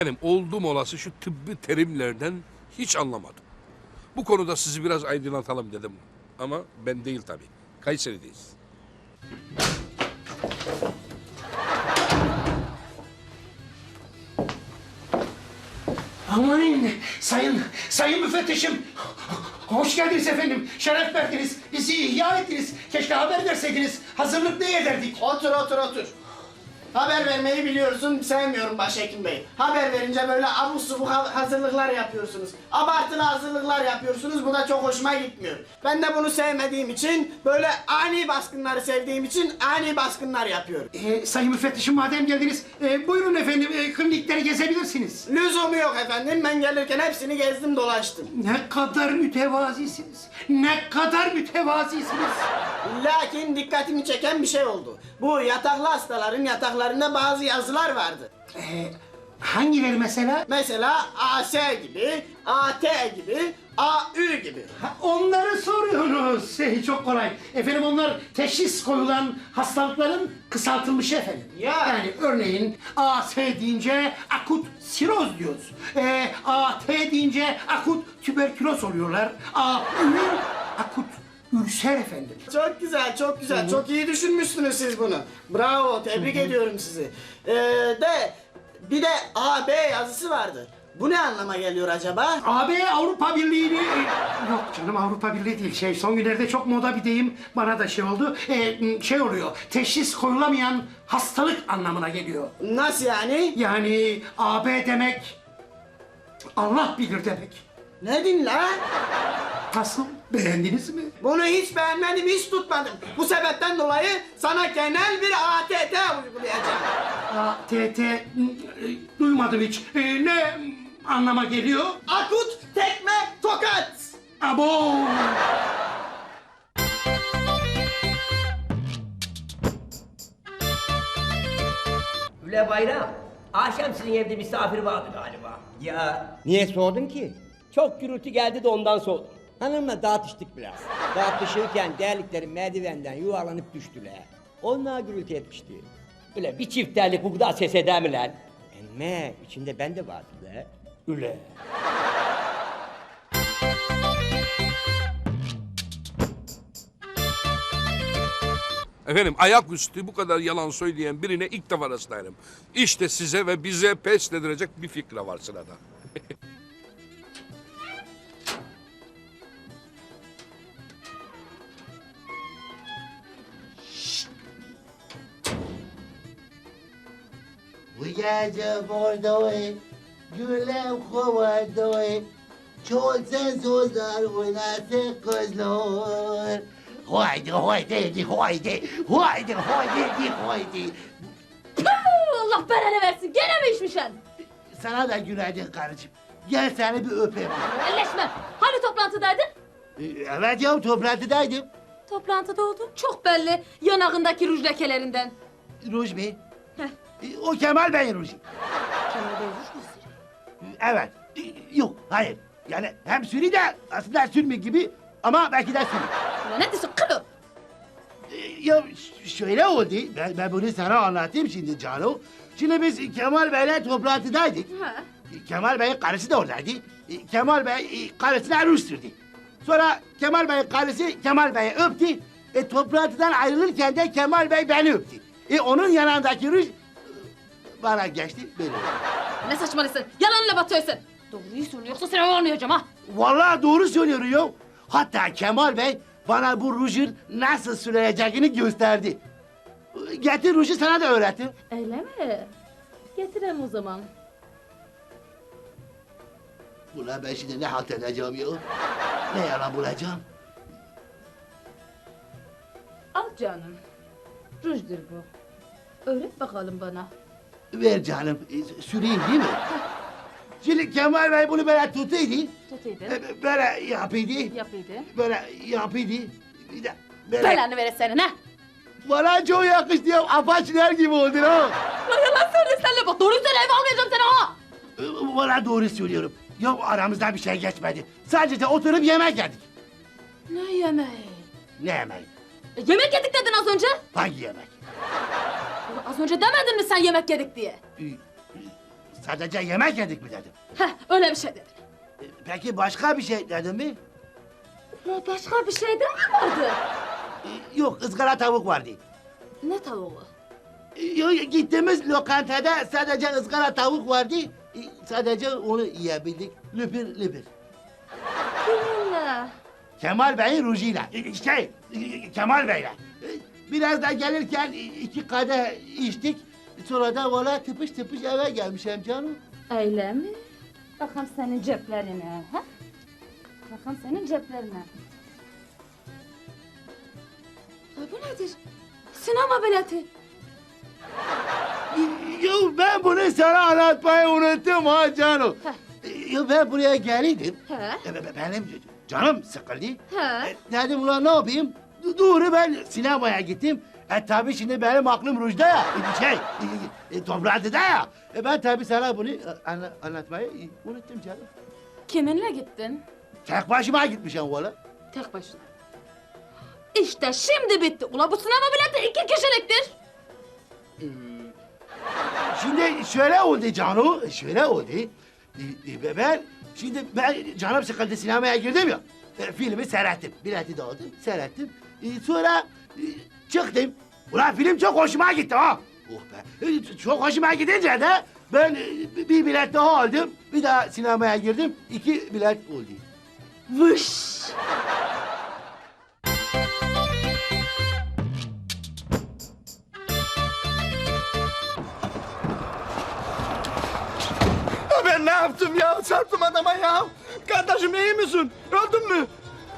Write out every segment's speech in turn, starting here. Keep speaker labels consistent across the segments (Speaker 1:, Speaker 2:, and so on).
Speaker 1: Benim oldum olası şu tıbbi terimlerden hiç anlamadım. Bu konuda sizi biraz aydınlatalım dedim. Ama ben değil tabii. Kayseri'deyiz.
Speaker 2: Aman sayın müfettişim. Hoş geldiniz efendim. Şeref verdiniz. Bizi ihya ettiniz. Keşke haber verseydiniz. Hazırlık ne ederdik?
Speaker 3: Otur. Haber vermeyi biliyorsun, sevmiyorum Başhekim Bey. Haber verince böyle abuk subuk hazırlıklar yapıyorsunuz. Abartılı hazırlıklar yapıyorsunuz, bu da çok hoşuma gitmiyor. Ben de bunu sevmediğim için, böyle ani baskınları sevdiğim için ani baskınlar yapıyorum.
Speaker 2: Sayın müfettişim madem geldiniz, buyurun efendim klinikleri gezebilirsiniz.
Speaker 3: Lüzumu yok efendim, ben gelirken hepsini gezdim dolaştım.
Speaker 2: Ne kadar mütevazisiniz. Ne kadar mütevazisiniz.
Speaker 3: Lakin dikkatimi çeken bir şey oldu. Bu yataklı hastaların yataklarında bazı yazılar vardı.
Speaker 2: Hangileri mesela?
Speaker 3: Mesela AS gibi, AT gibi, AÜ gibi.
Speaker 2: Ha, onları soruyorsunuz. Çok kolay. Efendim onlar teşhis koyulan hastalıkların kısaltılmışı efendim.
Speaker 3: Ya.
Speaker 2: Yani örneğin AS deyince akut siroz diyoruz. AT deyince akut tüberküloz oluyorlar. AÜ akut ülser efendim.
Speaker 3: Çok güzel, çok güzel. Çok iyi düşünmüşsünüz siz bunu. Bravo, tebrik ediyorum sizi. Bir de AB yazısı vardı. Bu ne anlama geliyor acaba?
Speaker 2: AB Avrupa Birliği'ni... yok canım Avrupa Birliği değil. Son günlerde çok moda bir deyim bana da oldu. Şey oluyor, teşhis koyulamayan hastalık anlamına geliyor.
Speaker 3: Nasıl yani?
Speaker 2: Yani AB demek Allah bilir demek.
Speaker 3: Ne din la?
Speaker 2: Nasıl? Beğendiniz mi?
Speaker 3: Bunu hiç beğenmedim, hiç tutmadım. Bu sebepten dolayı sana genel bir ATT uygulayacağım.
Speaker 2: ATT duymadım hiç. Ne anlama geliyor?
Speaker 3: Akut tekme tokat.
Speaker 2: Abo!
Speaker 4: Üle Bayram, akşam sizin evde misafir vardı galiba.
Speaker 5: Ya niye sordun ki?
Speaker 4: Çok gürültü geldi de ondan sordum.
Speaker 5: Hanımla tartıştık biraz. Tartışırken terlikleri merdivenden yuvarlanıp düştüler. Onlar gürültü etmişti.
Speaker 4: Üle bir çift terlik bu kadar ses eder mi lan?
Speaker 5: Emme içinde ben de vardım la.
Speaker 4: Üle.
Speaker 1: Efendim ayaküstü bu kadar yalan söyleyen birine ilk defa rastlarım. İşte size ve bize pes dedirecek bir fikre var sırada.
Speaker 6: Bu gece buradayım, gülüm kovardayım. Çoğulsun sözler oynasın kızlar. Haydi haydi haydi haydi haydi.
Speaker 7: Allah belanı versin. Gene mi içmişsin?
Speaker 6: Sana da günaydın karıcığım. Gel seni bir öpeyim.
Speaker 7: Elleşme. Hani toplantıdaydın?
Speaker 6: Evet ya toplantıdaydım.
Speaker 7: Toplantıda oldun. Çok belli. Yanağındaki ruj lekelerinden.
Speaker 6: Ruj mu?
Speaker 7: Heh.
Speaker 6: O Kemal Bey'in ruju.
Speaker 7: Kemal Bey ruj mu sürüyor?
Speaker 6: Evet. Yok hayır. Yani hem sürü de aslında sürmü gibi ama belki de sürü.
Speaker 7: Ulan ne diyorsun kılı?
Speaker 6: Ya şöyle oldu, ben bunu sana anlatayım şimdi Cano. Şimdi biz Kemal Bey'le toplantıdaydık.
Speaker 7: Ha.
Speaker 6: Kemal Bey'in karısı da oradaydı. Kemal Bey karısına ruj sürdü. Sonra Kemal Bey'in karısı Kemal Bey'i öptü. Toplantıdan ayrılırken de Kemal Bey beni öptü. Onun yanındaki ruj bana geçti böyle.
Speaker 7: Ne saçmalıyorsun? Yalanla batıyorsun. Doğruyu söyle yoksa seni anlayacağım ha.
Speaker 6: Vallahi doğru söylüyor ya. Hatta Kemal Bey bana bu rujun nasıl sürüleceğini gösterdi. Getir ruju sana da öğretim.
Speaker 7: Öyle mi? Getirem o zaman.
Speaker 6: Ulan ben şimdi ne halt edeceğim ya? Ne yalan bulacağım?
Speaker 7: Al canım. Rujdur bu. Öğret bakalım bana.
Speaker 6: Ver canım, süreyim değil mi? Şimdi Kemal Bey bunu böyle tutuydu.
Speaker 7: Tutuydun.
Speaker 6: Böyle yapıydı.
Speaker 7: Yapıydın.
Speaker 6: Böyle yapıydı. Bir de böyle...
Speaker 7: Belanı vere senin ha.
Speaker 6: Bana çok yakıştı ya. Apaçiler gibi oldu ha.
Speaker 7: Lan yalan söylesene bak. Doğruyu söyle eve almayacağım seni ha.
Speaker 6: Bana doğru söylüyorum. Ya aramızda bir şey geçmedi. Sadece oturup yemek yedik.
Speaker 7: Ne yemeği?
Speaker 6: Ne yemeği?
Speaker 7: Yemek yedik dedin az önce.
Speaker 6: Hangi yemek?
Speaker 7: Ulan az önce demedin mi sen yemek yedik diye?
Speaker 6: Ee, sadece yemek yedik mi dedim.
Speaker 7: Heh, öyle bir şey dedi.
Speaker 6: Peki başka bir şey dedim mi?
Speaker 7: Ya başka bir şey de mi vardı?
Speaker 6: Yok, ızgara tavuk vardı.
Speaker 7: Ne tavuğu?
Speaker 6: Yok, gittiğimiz lokantada sadece ızgara tavuk vardı. Sadece onu yiyebildik. Lüpür lüpür.
Speaker 7: Kiminle?
Speaker 6: Kemal Bey'in rujuyla. Kemal Bey'le. Biraz da gelirken 2 kadeh içtik. Sonra da valla tıpış tıpış eve gelmişim canım.
Speaker 7: Öyle mi? Bakalım senin ceplerine. Ha? Bakalım senin ceplerine. Ay bu nedir? Sinema bileti.
Speaker 6: Ya ben bunu sana anlatmayı unuttum ha canım.
Speaker 7: Heh.
Speaker 6: Ya ben buraya geldim.
Speaker 7: He?
Speaker 6: Benim canım sıkıldı.
Speaker 7: He?
Speaker 6: Dedim ulan ne yapayım? Doğru ben sinemaya gittim. Tabii şimdi benim aklım rujda ya. Toplantıda ya. Ben tabii sana bunu anlatmayı unuttum canım.
Speaker 7: Kiminle gittin?
Speaker 6: Tek başıma gitmişim valla.
Speaker 7: Tek başına. İşte şimdi bitti. Ula bu sinema bileti 2 kişiliktir.
Speaker 6: Şimdi şöyle oldu Canu, şöyle oldu. Ben canım sıkıldı sinemaya girdim ya. Filmi seyrettim, bileti de aldım, seyrettim. Sonra çıktım. Ulan film çok hoşuma gitti ha. Oh be. Çok hoşuma gidince de ben bir bilet daha aldım. Bir daha sinemaya girdim. 2 bilet oldu.
Speaker 7: Vış.
Speaker 3: Ben ne yaptım ya? Çarptım adama ya. Kardeşim iyi misin? Öldün mü?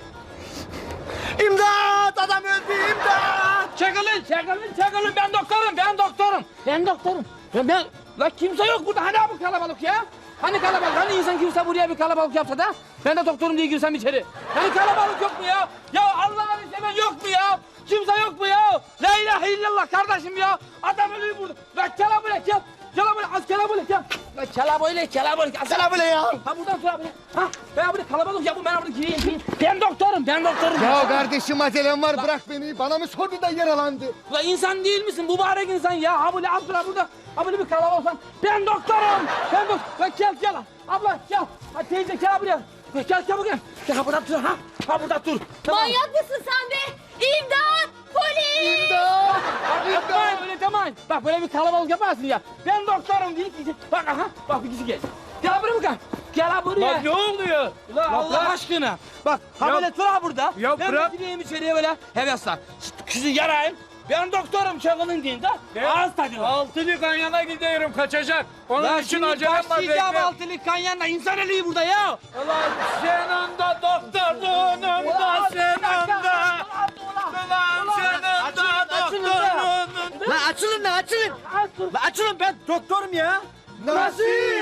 Speaker 3: İmdat! Adam öldü, imdat!
Speaker 8: Çekilin, ben doktorum. La kimse yok burada, hani bu kalabalık ya? Hani kalabalık, hani insan kimse buraya bir kalabalık yapsa da ben de doktorum diye girsem içeri. Hani kalabalık yok mu ya? Ya Allah'ını seven yok mu ya? Kimse yok mu ya? La ilahe illallah kardeşim ya. Adam ölüyor burada. La kelabule gel. Kelabule gel. La kelabule.
Speaker 3: Selam ya.
Speaker 8: Ha buradan sonra buraya. Ha ben burada kalabalık ya bu ben burada gireyim. Ben doktorum.
Speaker 9: Ya kardeşim acelem var bırak beni. Bana mı sordu da yaralandı?
Speaker 8: Ulan insan değil misin? Mübarek insan ya. Ha böyle abla burada. Ha böyle bir kalabalık olsan. Ben doktorum. Lan gel. Abla gel. Ha teyze gel buraya. Gel buraya. Gel burada dur ha. Ha burada dur. Tamam.
Speaker 7: Manyak mısın sen be? İmdat! Polis!
Speaker 8: Yapmayın öyle demeyin. Bak böyle bir kalabalık yaparsın ya. Ben doktorum diye ki. Bak aha. Bak bir kişi gel. Gel buraya bakalım. Gel buraya.
Speaker 10: Lan ne oluyor?
Speaker 8: Ulan Allah aşkına. Bak ha böyle dur ha burada.
Speaker 10: Ya
Speaker 8: ben
Speaker 10: bırak.
Speaker 8: Ben gireyim içeriye böyle hevesle. Kızı yarayım. Ben doktorum çakılın deyin de. Ağız tadına.
Speaker 10: Altılı kanyana gidiyorum kaçacak. Onun
Speaker 8: Lan
Speaker 10: için
Speaker 8: şimdi
Speaker 10: acelem var
Speaker 8: başlayacağım
Speaker 10: bekle.
Speaker 8: altılık kanyanla. İnsan eliği burada ya.
Speaker 10: Ulan senin de doktorluğunun da senin de. Ulan senin de doktorluğunun.
Speaker 3: Lan açılın. Lan açılın ben doktorum ya.
Speaker 8: Nasıl?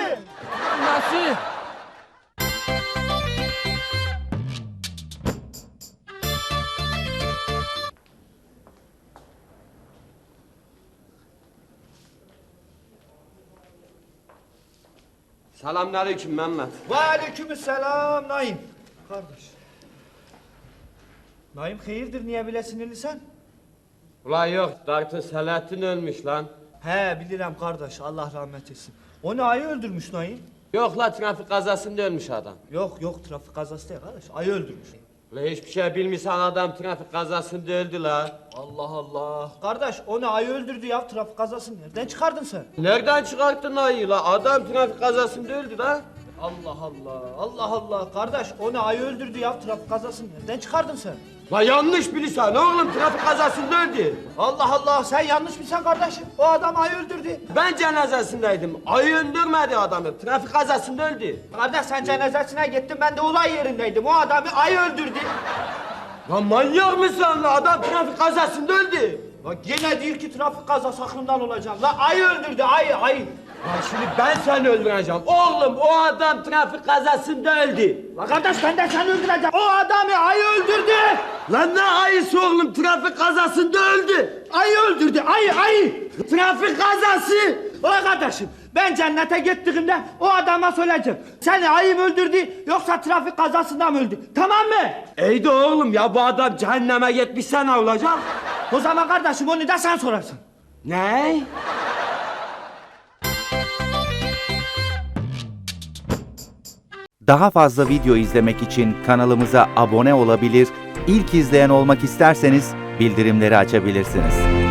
Speaker 11: Selamünaleyküm Mehmet.
Speaker 3: Ve aleykümselam Naim. Kardeş. Naim hayırdır niye bile sinirlisin?
Speaker 11: Ulan yok, Dr. Selahattin ölmüş lan.
Speaker 3: He bilirim kardeş Allah rahmet etsin. O ne ayı öldürmüş Naim?
Speaker 11: Yok la trafik kazasında ölmüş adam.
Speaker 3: Yok trafik kazası değil kardeş ayı öldürmüş.
Speaker 11: Ulan hiçbir şey bilmiyorsan adam trafik kazasında öldü la.
Speaker 3: Allah. Kardeş o ne ayı öldürdü ya trafik kazasını nereden çıkardın sen?
Speaker 11: Nereden çıkarttın ayı la? Adam trafik kazasında öldü la.
Speaker 3: Allah. Kardeş o ne ayı öldürdü ya trafik kazasını nereden çıkardın sen?
Speaker 11: La yanlış biliyorsun oğlum trafik kazasında öldü.
Speaker 3: Allah sen yanlış mısın kardeşim? O adam ayı öldürdü.
Speaker 11: Ben cenazesindeydim. Ayı öldürmedi adamı. Trafik kazasında öldü.
Speaker 3: Kardeş sen cenazesine gittin ben de olay yerindeydim. O adamı ayı öldürdü.
Speaker 11: Lan manyak mısın la? Adam trafik kazasında öldü.
Speaker 3: Bak yine değil ki trafik kazası aklımdan olacağım. La ayı öldürdü ayı.
Speaker 11: Lan şimdi ben seni öldüreceğim. Oğlum o adam trafik kazasında öldü.
Speaker 3: La kardeş ben de seni öldüreceğim. O adamı ayı öldürdü.
Speaker 11: Lan ne ayısı oğlum trafik kazasında öldü.
Speaker 3: Ayı öldürdü ayı.
Speaker 11: Trafik kazası.
Speaker 3: Ulan kardeşim ben cennete gittiğimde o adama söyleyeceğim. Seni ayı mı öldürdü yoksa trafik kazasında mı öldü? Tamam mı?
Speaker 11: İyi de oğlum ya bu adam cehenneme gitmişse ne olacak?
Speaker 3: O zaman kardeşim onu da sen sorarsın.
Speaker 11: Ne?
Speaker 12: Daha fazla video izlemek için kanalımıza abone olabilir, ilk izleyen olmak isterseniz bildirimleri açabilirsiniz.